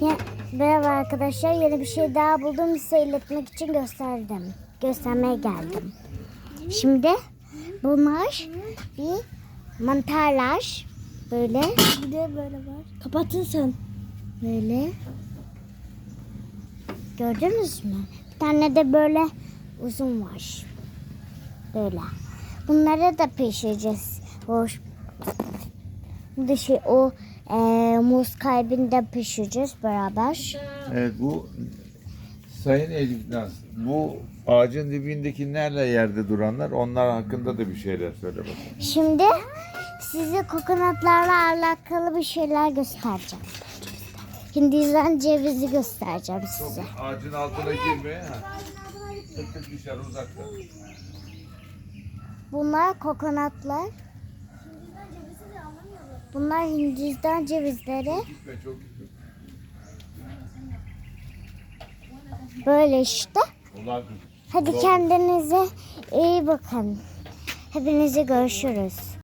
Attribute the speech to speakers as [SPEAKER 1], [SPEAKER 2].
[SPEAKER 1] Merhaba arkadaşlar, yeni bir şey daha buldum, size iletmek için göstermeye geldim. Şimdi bunlar bir mantarlar, böyle. Bir de böyle var. Kapatın sen. Böyle. Gördünüz mü? Bir tane de böyle uzun var. Böyle. Bunları da pişireceğiz. Muz kalbini de pişireceğiz beraber.
[SPEAKER 2] Evet, bu Sayın Elif Naz, bu ağacın dibindekilerle yerde duranlar, onlar hakkında da bir şeyler söyle bakalım.
[SPEAKER 1] Şimdi size kokonatlarla alakalı bir şeyler göstereceğim. Hindistan cevizi göstereceğim size.
[SPEAKER 2] Ağacın altına girme. Tık dışarı uzakta.
[SPEAKER 1] Bunlar kokonatlar. Bunlar Hindistan cevizleri.
[SPEAKER 2] Gitme, çok gitme.
[SPEAKER 1] Böyle işte.
[SPEAKER 2] Ulan
[SPEAKER 1] Hadi kendinize iyi bakın. Hepinizi görüşürüz.